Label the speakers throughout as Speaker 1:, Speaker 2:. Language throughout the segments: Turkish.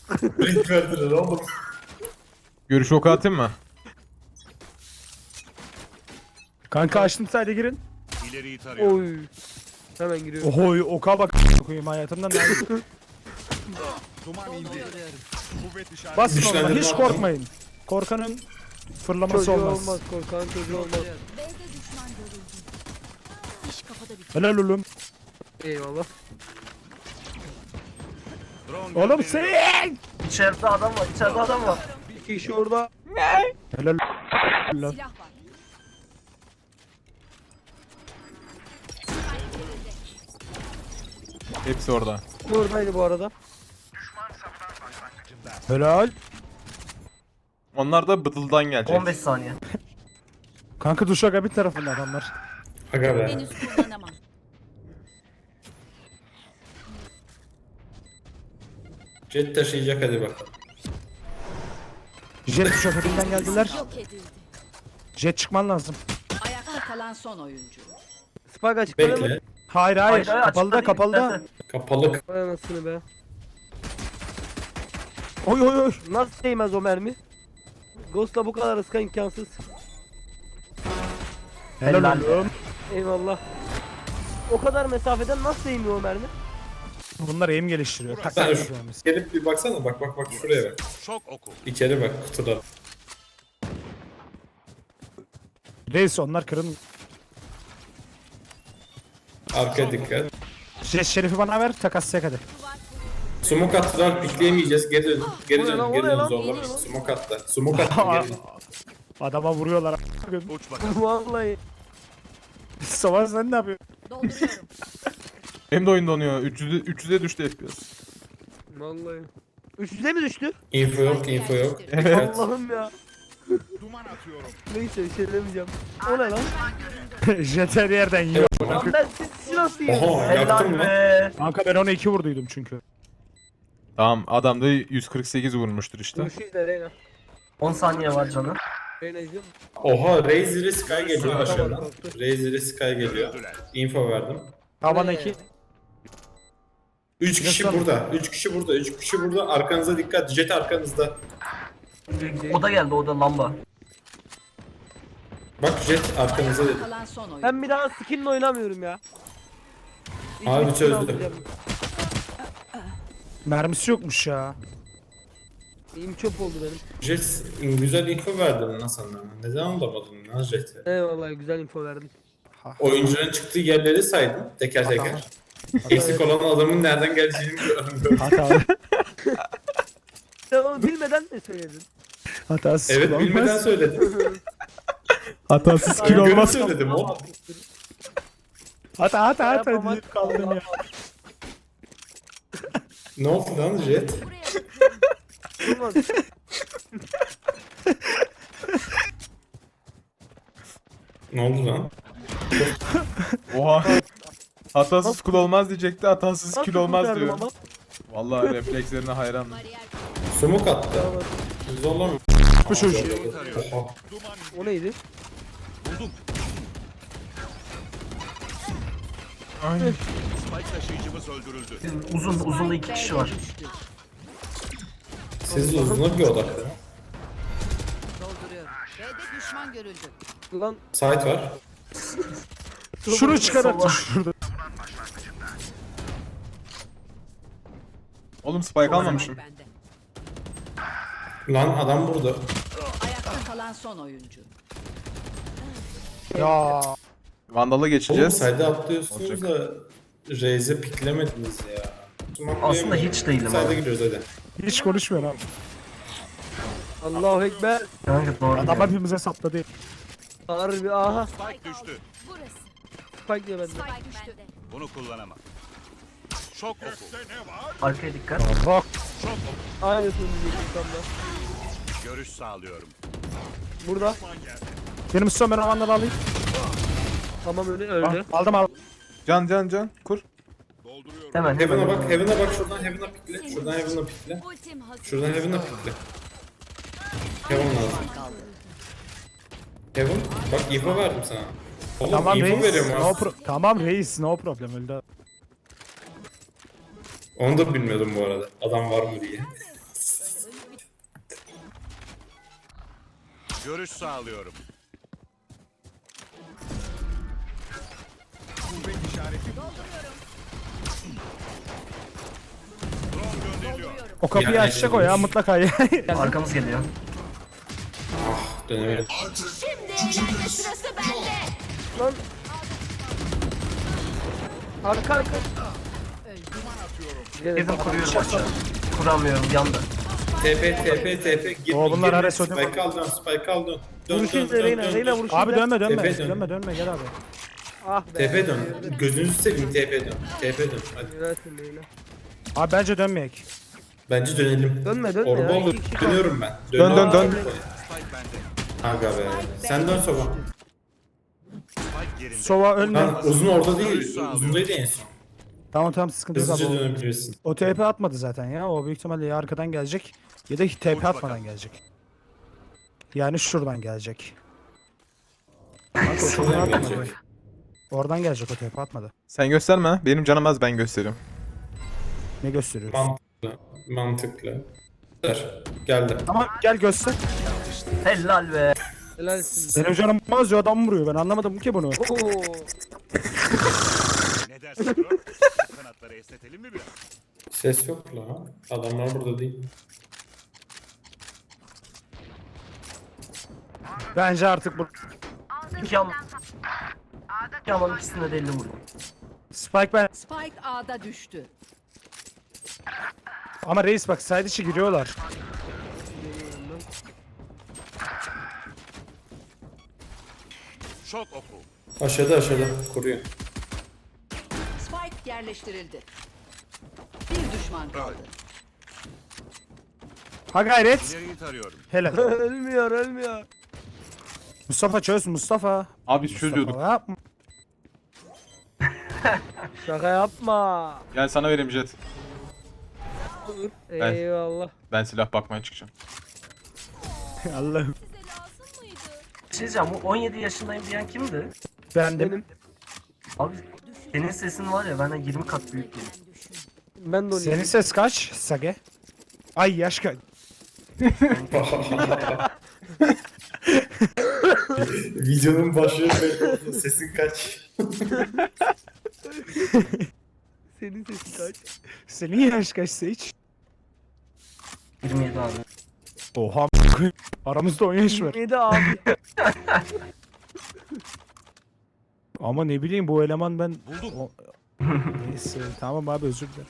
Speaker 1: Renk verdiler oğlum.
Speaker 2: Görüş oku atayım mı?
Speaker 3: Kanka açtım sayda girin.
Speaker 4: İleriyi tarıyorum.
Speaker 5: Oy. Hemen giriyorum.
Speaker 3: Ohoy oka bak koyayım hayatımdan ne
Speaker 4: Duman indi. Kuvvet işareti.
Speaker 3: Basın ona
Speaker 1: Güçlendirme
Speaker 3: hiç
Speaker 1: attım.
Speaker 3: korkmayın. Korkanın fırlaması
Speaker 5: Çocuğu
Speaker 3: olmaz.
Speaker 5: olmaz. Korkan çocuğu olmaz.
Speaker 6: B'de düşman görüldü. İş kafada bitti.
Speaker 3: Helal oğlum.
Speaker 5: Eyvallah.
Speaker 4: Drone
Speaker 3: Oğlum
Speaker 4: gönderiyorum.
Speaker 3: sen.
Speaker 7: İçeride adam var, içeride adam var.
Speaker 5: İki kişi orada.
Speaker 3: Helal.
Speaker 6: Silah var.
Speaker 2: Hepsi orada.
Speaker 5: Oradaydı bu arada.
Speaker 3: Helal.
Speaker 2: Onlar da bıdıldan gelecek.
Speaker 7: 15 saniye.
Speaker 3: Kanka Duşaka bir tarafında adamlar.
Speaker 1: Aga be.
Speaker 6: Henüz kullanamam.
Speaker 1: Jet taşıyacak hadi bakalım.
Speaker 3: Jet Duşaka'dan geldiler.
Speaker 6: Yok edildi.
Speaker 3: Jet çıkman lazım.
Speaker 6: Ayakta kalan son oyuncu.
Speaker 5: Spike açıkladı mı?
Speaker 1: Bekle.
Speaker 3: Hayır
Speaker 7: Hayır,
Speaker 3: kapalı da
Speaker 7: açıkta
Speaker 3: kapalı
Speaker 7: değil,
Speaker 3: da.
Speaker 7: istersen.
Speaker 1: Kapalı.
Speaker 5: Vay anasını be.
Speaker 3: Oy oy oy.
Speaker 5: Nasıl değmez o mermi? Ghost'la bu kadar ıska imkansız.
Speaker 3: Helal
Speaker 7: Helal.
Speaker 3: oğlum.
Speaker 5: Eyvallah. O kadar mesafeden nasıl değmiyor o mermi?
Speaker 3: Bunlar aim geliştiriyor. Tak
Speaker 1: Sen
Speaker 3: tak
Speaker 1: şu-
Speaker 3: yapıyoruz.
Speaker 1: Gelip bir baksana bak şuraya bak.
Speaker 4: Şok oku.
Speaker 1: İçeri bak kutuda.
Speaker 3: Reis onlar kırın.
Speaker 1: Arkaya dikkat.
Speaker 3: Jet Şerif'i bana ver takaslayacak hadi.
Speaker 1: Smoke attılar pikleyemeyeceğiz. Geri dön. Geri
Speaker 5: O ne
Speaker 1: dön.
Speaker 5: lan, o
Speaker 1: Geri
Speaker 5: ne
Speaker 1: dön
Speaker 5: lan?
Speaker 1: zorla. Smoke attı. Smoke attı geri dön.
Speaker 3: Adama vuruyorlar.
Speaker 4: Uç bakalım.
Speaker 5: Vallahi.
Speaker 3: Savaş sen ne yapıyorsun?
Speaker 6: Dolduruyorum.
Speaker 2: Benim de oyun donuyor. 300'e düştü FPS.
Speaker 5: Vallahi. 300'e mi düştü?
Speaker 1: Info yok, info yok.
Speaker 2: Evet.
Speaker 5: Allah'ım ya.
Speaker 4: Duman atıyorum.
Speaker 5: Neyse bir şey demeyeceğim. O ne lan?
Speaker 3: Jet her yerden yiyor.
Speaker 5: Lan ben siz nasıl yiyorsunuz?
Speaker 1: Oha yaktım
Speaker 7: Helal
Speaker 1: lan.
Speaker 7: be.
Speaker 3: Kanka ben ona 2 vurduydum çünkü.
Speaker 2: Tamam adam da 148 vurmuştur işte.
Speaker 5: Görüşürüz de Reyna.
Speaker 7: 10 saniye var canım.
Speaker 5: Reyna izliyor musun?
Speaker 1: Oha Razer Sky geliyor aşağıdan.
Speaker 5: kalktı.
Speaker 1: Razer Sky geliyor. Info verdim.
Speaker 3: Tavan 2.
Speaker 1: 3 kişi
Speaker 3: Nasıl?
Speaker 1: burada. 3 kişi burada. 3 kişi burada. Arkanıza dikkat. Jet arkanızda.
Speaker 7: O da geldi, o da lamba.
Speaker 1: Bak Jet arkanıza dedi.
Speaker 6: Kalan son oyuncu.
Speaker 5: Ben bir daha skinle oynamıyorum ya.
Speaker 1: Abi
Speaker 5: Hiçbir
Speaker 1: çözdü.
Speaker 5: skin almayacağım.
Speaker 3: Mermisi yokmuş ya.
Speaker 5: İyim çöp oldu benim.
Speaker 1: Jet güzel info verdin lan sana. Neden alamadın lan Jet'i?
Speaker 5: Eyvallah güzel info verdin.
Speaker 1: Oyuncuların çıktığı yerleri saydın teker teker. Eksik olan adamın nereden geleceğini gördüm.
Speaker 3: Hata.
Speaker 5: Sen onu bilmeden mi söyledin?
Speaker 3: Hatasız
Speaker 1: Evet
Speaker 3: kill
Speaker 1: bilmeden
Speaker 3: olmaz.
Speaker 1: söyledim.
Speaker 3: Hatasız kill
Speaker 1: Görüp
Speaker 3: olmaz.
Speaker 1: söyledim oğlum.
Speaker 3: Hata
Speaker 5: Yapamaz.
Speaker 3: deyip kaldın ya.
Speaker 1: Ne oldu lan Jet?
Speaker 5: Olmaz.
Speaker 1: Ne oldu lan?
Speaker 2: Oha. Hatasız kul olmaz diyecekti. Hatasız
Speaker 5: Nasıl
Speaker 2: kil olmaz
Speaker 5: kurtardım
Speaker 2: diyor.
Speaker 5: ama?
Speaker 2: Vallahi reflekslerine hayranım.
Speaker 6: Bariyer
Speaker 1: Smoke attı. Zorlama.
Speaker 3: Bu çocuğu.
Speaker 1: Oha.
Speaker 5: O neydi?
Speaker 4: Buldum.
Speaker 2: Ay.
Speaker 4: Spike taşıyıcımız öldürüldü.
Speaker 7: Uzun 2 kişi var.
Speaker 1: Siz uzuna bir odaklanın.
Speaker 6: dolduruyorum. B'de düşman görüldü.
Speaker 5: Lan
Speaker 1: Site var.
Speaker 3: Şunu çıkar şurada.
Speaker 2: Oğlum spike almamışım.
Speaker 6: Bende.
Speaker 1: Lan adam burada.
Speaker 6: Ayakta kalan son oyuncu.
Speaker 3: Ya.
Speaker 2: Vandal'a
Speaker 1: Oğlum
Speaker 2: geçeceğiz.
Speaker 1: site'e atlıyorsunuz da Raze'e piklemediniz ya.
Speaker 7: Aslında hiç değilim
Speaker 1: Site'e
Speaker 7: abi.
Speaker 1: gidiyoruz hadi.
Speaker 3: Hiç konuşmuyor abi.
Speaker 5: Allahu Ekber.
Speaker 7: Kanka doğru.
Speaker 3: Adam
Speaker 7: diyor.
Speaker 3: hepimize sapladı.
Speaker 5: Harbi aha.
Speaker 4: Spike düştü.
Speaker 6: Burası.
Speaker 5: Spike diyor bende.
Speaker 6: Spike düştü.
Speaker 4: Bunu kullanamam. Şok oku.
Speaker 7: Arkaya dikkat.
Speaker 3: Rock.
Speaker 4: Şok oku.
Speaker 5: Aynısını diyecektim tam da.
Speaker 4: Görüş sağlıyorum.
Speaker 5: Burada.
Speaker 3: Benim son ben alanları alayım.
Speaker 5: Tamam öldü.
Speaker 3: Aldım aldım.
Speaker 2: Can kur.
Speaker 4: Dolduruyorum.
Speaker 7: Hemen
Speaker 1: Heaven'a
Speaker 7: hemen.
Speaker 1: bak, Heaven'a bak. Şuradan Heaven'a pikle. Şuradan Heaven'a pikle.
Speaker 6: Ultim hazır.
Speaker 1: Şuradan Heaven'a pikle. Heaven lazım. Heaven. Bak info verdim sana. Oğlum
Speaker 3: Tamam
Speaker 1: info
Speaker 3: reis.
Speaker 1: veriyorum
Speaker 3: No
Speaker 1: aslında.
Speaker 3: tamam reis no problem öldü.
Speaker 1: Onu da bilmiyordum bu arada. Adam var mı diye.
Speaker 4: Görüş sağlıyorum. Drone gönderiliyor.
Speaker 3: O kapıyı
Speaker 1: Yani
Speaker 3: açacak o ya mutlaka ya.
Speaker 7: Arkamız geliyor.
Speaker 1: Dönemedim.
Speaker 6: Şimdi eğlenme sırası bende.
Speaker 5: Lan. Arka.
Speaker 7: Dedim kuruyorum aşağı. Kuramıyorum yanda.
Speaker 1: TP. Gir,
Speaker 3: Oo, bunlar
Speaker 1: gir,
Speaker 3: Ares ödeme.
Speaker 1: Spike al dön, Spike al dön. Dön,
Speaker 5: Vuruş
Speaker 1: dön,
Speaker 5: izle
Speaker 1: dön,
Speaker 5: Reyna.
Speaker 1: dön,
Speaker 5: Reyna
Speaker 1: dön.
Speaker 5: vuruş
Speaker 3: Abi
Speaker 5: izle.
Speaker 3: dönme
Speaker 1: Tepe dön.
Speaker 3: dönme gel abi.
Speaker 5: Ah be.
Speaker 1: TP dön. Gözünüzü seveyim TP dön. TP dön. Hadi.
Speaker 5: Güzelsin Reyna.
Speaker 3: Abi bence dönmeyek.
Speaker 1: Bence dönelim.
Speaker 5: Dönme
Speaker 1: Orba
Speaker 5: ya.
Speaker 1: olur.
Speaker 5: İki kişi
Speaker 1: Dönüyorum ben.
Speaker 2: Dön.
Speaker 4: Spike bende.
Speaker 1: Aga be. Sen dön Sova.
Speaker 4: Spike yerinde.
Speaker 3: Sova ölme.
Speaker 1: Lan uzun orada değil.
Speaker 4: Görüş sağlıyorum.
Speaker 1: Uzundaydı en son.
Speaker 3: Tamam sıkıntı yok
Speaker 1: Hızlıca
Speaker 3: abi.
Speaker 1: dönebilirsin.
Speaker 3: O TP atmadı zaten ya. O büyük ihtimalle ya arkadan gelecek ya da TP atmadan
Speaker 4: bakalım.
Speaker 3: gelecek. Yani şuradan gelecek.
Speaker 1: Şuradan gelecek.
Speaker 3: Oradan gelecek o TP atmadı.
Speaker 2: Sen gösterme. Benim canım az, ben gösteriyorum.
Speaker 3: Ne gösteriyor?
Speaker 1: Mantıklı. Ver. Geldi.
Speaker 3: Tamam gel göster.
Speaker 7: Helal be.
Speaker 5: Helalsin.
Speaker 3: Benim canım az ya adam vuruyor ben anlamadım ki bunu.
Speaker 5: Oo.
Speaker 4: Ne dersin bro? Kanatları esnetelim mi biraz?
Speaker 1: Ses yok la. Adamlar burada değil.
Speaker 3: Bence artık bu
Speaker 7: İki al. İki alan ikisinde de 50 vurdum.
Speaker 3: Spike ben
Speaker 6: Spike A'da düştü.
Speaker 3: ama reis bak side içi giriyorlar.
Speaker 4: Şok oku.
Speaker 1: Aşağıda kuruyor.
Speaker 6: Spike yerleştirildi. Bir düşman kaldı.
Speaker 3: Ha gayret.
Speaker 4: İleriyi tarıyorum.
Speaker 3: Helal.
Speaker 5: Ölmüyor.
Speaker 3: Mustafa çöz Mustafa.
Speaker 2: Abi biz çözüyorduk.
Speaker 3: Mustafa yapma.
Speaker 5: Şaka yapma.
Speaker 2: Gel sana vereyim Jet. Ben-
Speaker 5: Eyvallah.
Speaker 2: Ben silah bakmaya çıkacağım.
Speaker 3: Allah'ım.
Speaker 7: Bir şey diyeceğim, bu 17 yaşındayım diyen kimdi?
Speaker 3: Bendim.
Speaker 7: Abi senin sesin var ya benden 20 kat büyük geliyor.
Speaker 5: Ben de
Speaker 3: Senin ses kaç Sage? Ay yaş kaç?
Speaker 1: Videonun başlığı belli oldu. Sesin kaç?
Speaker 5: Senin sesin kaç?
Speaker 3: Senin yaş kaç Sage?
Speaker 7: 27 abi.
Speaker 3: Oha aramızda 10 yaş var.
Speaker 5: 27 abi.
Speaker 3: Ama ne bileyim bu eleman ben... Neyse tamam abi özür dilerim.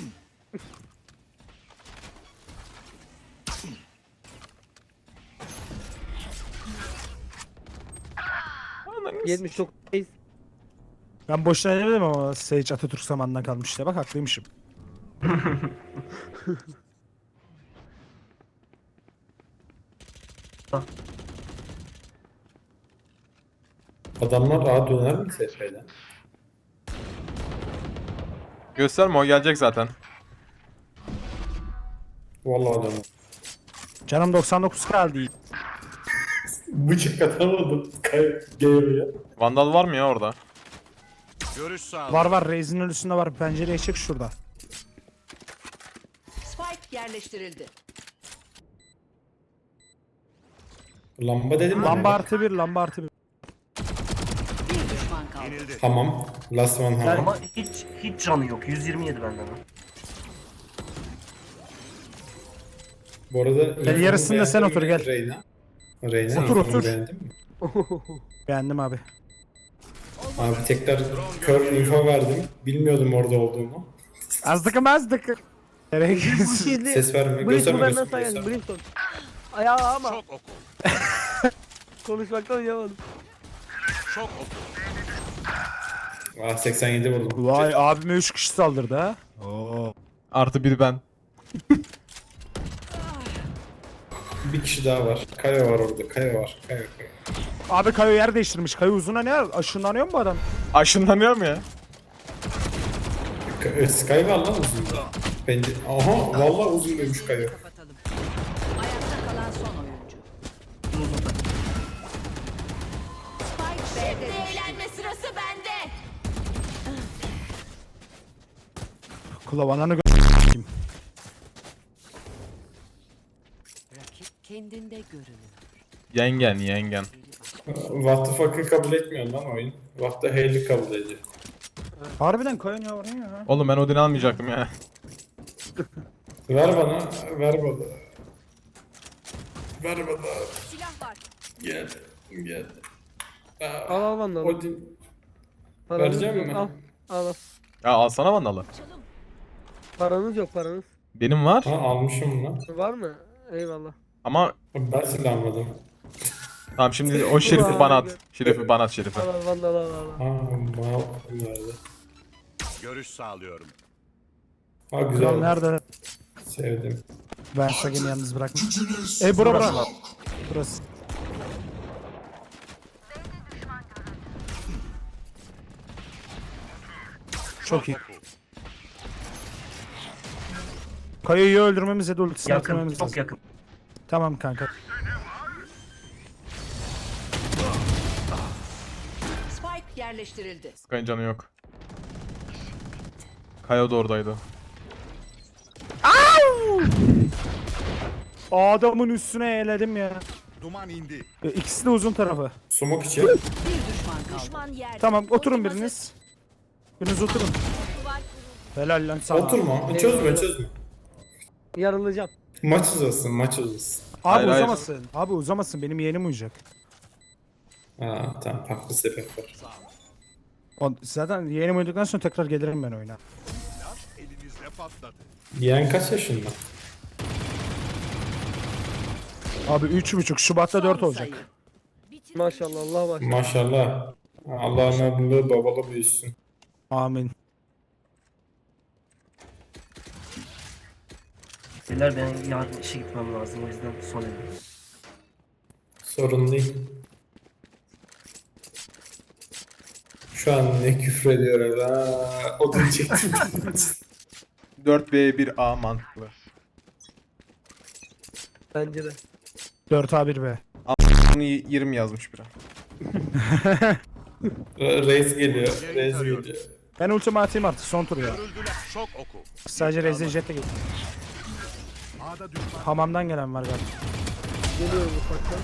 Speaker 5: Yetmiş çok reis.
Speaker 3: Ben boşuna demedim ama Sage Atatürk zamanından kalmış işte bak haklıymışım.
Speaker 1: Adamlar rahat döner mi SF'den?
Speaker 2: Gösterme, o gelecek zaten.
Speaker 1: Vallahi döner.
Speaker 3: Canım 99 kaldı.
Speaker 1: Bıçak atamadım. Geliyor ya.
Speaker 2: Vandal var mı ya orada?
Speaker 4: Görüş sağlıyorum.
Speaker 3: Var Reis'in ölüsünde var pencereye çık şurada.
Speaker 6: Spike yerleştirildi.
Speaker 1: Lamba dedim mi?
Speaker 3: Lamba artı bir lamba artı bir.
Speaker 6: Bir düşman kaldı.
Speaker 4: Yenildi.
Speaker 1: Hamam. Last one hamam.
Speaker 7: Ama hiç canı yok. 127 benden. ha.
Speaker 1: Bu arada
Speaker 3: Gel, yarısında sen otur, gel.
Speaker 1: Reyna.
Speaker 3: Otur,
Speaker 1: infomu
Speaker 3: otur.
Speaker 1: beğendin mi?
Speaker 3: Beğendim abi.
Speaker 1: Abi tekrar kör info verdim. Bilmiyordum orada olduğumu.
Speaker 3: Azdık. Nereye
Speaker 5: Bu
Speaker 3: gidiyorsun?
Speaker 5: şeyli.
Speaker 1: Ses verme.
Speaker 5: Brimstone
Speaker 1: Gösterme.
Speaker 5: benden
Speaker 1: gösterme,
Speaker 5: sayın.
Speaker 1: gösterme.
Speaker 5: Brimstone. Ayağı ama
Speaker 4: Şok oku.
Speaker 5: konuşmaktan uyuyamadım.
Speaker 4: Şok oku.
Speaker 1: Ah 87 vurdum.
Speaker 3: Vay abime 3 kişi saldırdı ha. Oo.
Speaker 2: Artı bir ben.
Speaker 1: Bir kişi daha var. Kaya var orada. Kaya var. Kaya.
Speaker 3: Abi Kayo yer değiştirmiş. Kayo uzuna ne? Aşınlanıyor mu bu adam?
Speaker 2: Aşınlanıyor mu ya?
Speaker 1: Sky var lan uzun. Bence. Aha vallahi uzun demiş Kaya.
Speaker 6: Kapatalım. Ayakta kalan son oyuncu. Spike B'de düştü. Eğlenme sırası bende.
Speaker 3: Kulavananı
Speaker 6: Rakip kendinde görünür.
Speaker 2: Yengen.
Speaker 1: What the fuck'ı kabul etmiyor lan oyun. What the hell'i kabul ediyor.
Speaker 3: Harbiden Kayan yavrum ya.
Speaker 2: Oğlum ben Odin almayacaktım ya.
Speaker 1: Ver bana. Ver bana. Ver bana.
Speaker 6: Silah var.
Speaker 1: Gel. Gel. Aa,
Speaker 5: Al al vandalı.
Speaker 1: Odin.
Speaker 5: Paranız
Speaker 1: vereceğim
Speaker 5: yok.
Speaker 1: mi?
Speaker 5: Al. Al al.
Speaker 2: Ya alsana vandalı.
Speaker 6: Çalım.
Speaker 5: Paranız yok paranız.
Speaker 2: Benim var
Speaker 1: Ha almışım lan.
Speaker 5: Var mı? Eyvallah.
Speaker 2: ama
Speaker 1: Ben silah almadım.
Speaker 2: tamam şimdi o şerifi bana at. Şerifi bana at şerifi.
Speaker 5: Al al vandalı al al.
Speaker 1: Ha mal nerede?
Speaker 4: Görüş sağlıyorum.
Speaker 1: Ha
Speaker 3: Kral
Speaker 1: güzel.
Speaker 3: nerede?
Speaker 1: Sevdim.
Speaker 3: Ben Sagen'i yalnız bırakma. Bura. Burası. Çok iyi.
Speaker 4: Oku.
Speaker 3: Kaya'yı öldürmemiz ya da ultisini
Speaker 7: Yakın,
Speaker 3: atmamız
Speaker 7: çok
Speaker 3: lazım.
Speaker 7: yakın.
Speaker 3: Tamam kanka.
Speaker 6: Spike yerleştirildi.
Speaker 2: Sky'ın canı yok. Kaya da oradaydı.
Speaker 3: Adamın üstüne eğledim ya.
Speaker 4: Duman indi.
Speaker 3: İkisi de uzun tarafı.
Speaker 1: Sumak için.
Speaker 6: Bir düşman kaldı. Düşman yerde.
Speaker 3: Tamam oturun
Speaker 6: Ultim
Speaker 3: biriniz. Biriniz oturun.
Speaker 6: hazır. Duvar kuruldu.
Speaker 3: Helal lan sana.
Speaker 1: Oturma. Çözme.
Speaker 5: Yarılacağım.
Speaker 1: Maç uzasın. Maç uzasın.
Speaker 3: Abi
Speaker 2: Hayır, hayır.
Speaker 3: uzamasın. Abi uzamasın. Benim yeğenim uyuyacak.
Speaker 1: Ha tamam. Haklı sebep var.
Speaker 3: Zaten yeğenim uyuduktan sonra tekrar gelirim ben oyuna.
Speaker 4: Elinizde patladı.
Speaker 1: Yeğen kaç yaşında?
Speaker 3: Abi 3,5 Şubat'ta 4
Speaker 6: Son
Speaker 3: olacak.
Speaker 6: sayı. Bitir.
Speaker 5: Maşallah Allah maşallah.
Speaker 1: Maşallah. Allah'ın adını babalı büyüsün.
Speaker 3: Amin.
Speaker 7: Beyler ben yarın işe gitmem lazım o yüzden son elim.
Speaker 1: Sorun değil. Şu an ne küfür ediyor ha. Odun çektim.
Speaker 2: 4B1A mantıklı.
Speaker 5: Bence de.
Speaker 3: 4A1B.
Speaker 2: Bunu 20 yazmış biri.
Speaker 1: Reis geliyor. Reis geliyor.
Speaker 3: Ben ultimi atayım artık son tur ya.
Speaker 4: Görüldüler. Şok oku.
Speaker 3: Sadece Rezil Jet'e git.
Speaker 4: A'da düşman.
Speaker 3: Hamamdan gelen var galiba.
Speaker 5: Geliyorum ufaktan.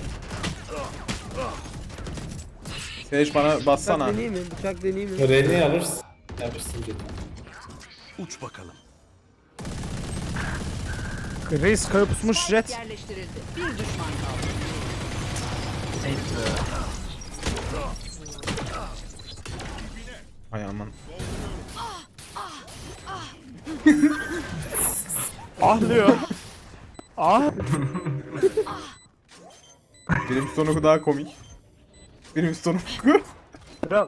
Speaker 2: Sage bana
Speaker 5: Bıçak
Speaker 2: bassana.
Speaker 5: deneyeyim mi? Bıçak deneyeyim mi?
Speaker 1: Reni alırsın. Alırsın dedi.
Speaker 4: Uç bakalım.
Speaker 3: Reis kayıp pusmuş
Speaker 6: Spike
Speaker 3: Jet.
Speaker 6: yerleştirildi. Bir düşman kaldı.
Speaker 7: Evet,
Speaker 2: Hay aman.
Speaker 3: Ah diyor. Ah.
Speaker 2: Benim sonu daha komik. Benim sonu
Speaker 3: Kral.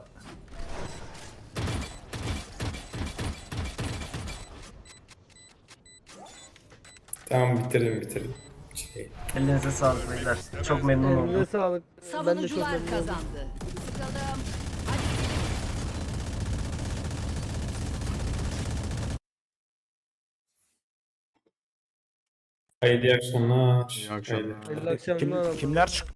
Speaker 1: Tamam bitirin. Şey.
Speaker 7: elinize sağlık beyler. Çok memnun oldum.
Speaker 5: Eline sağlık. Ben de çok
Speaker 6: Savunucular
Speaker 5: memnun oldum.
Speaker 6: kazandı. Sıkalım. Hadi.
Speaker 1: Hayırlı akşamlar.
Speaker 2: İyi akşamlar.
Speaker 5: Hayırlı akşamlar.
Speaker 3: Kimler çıktı?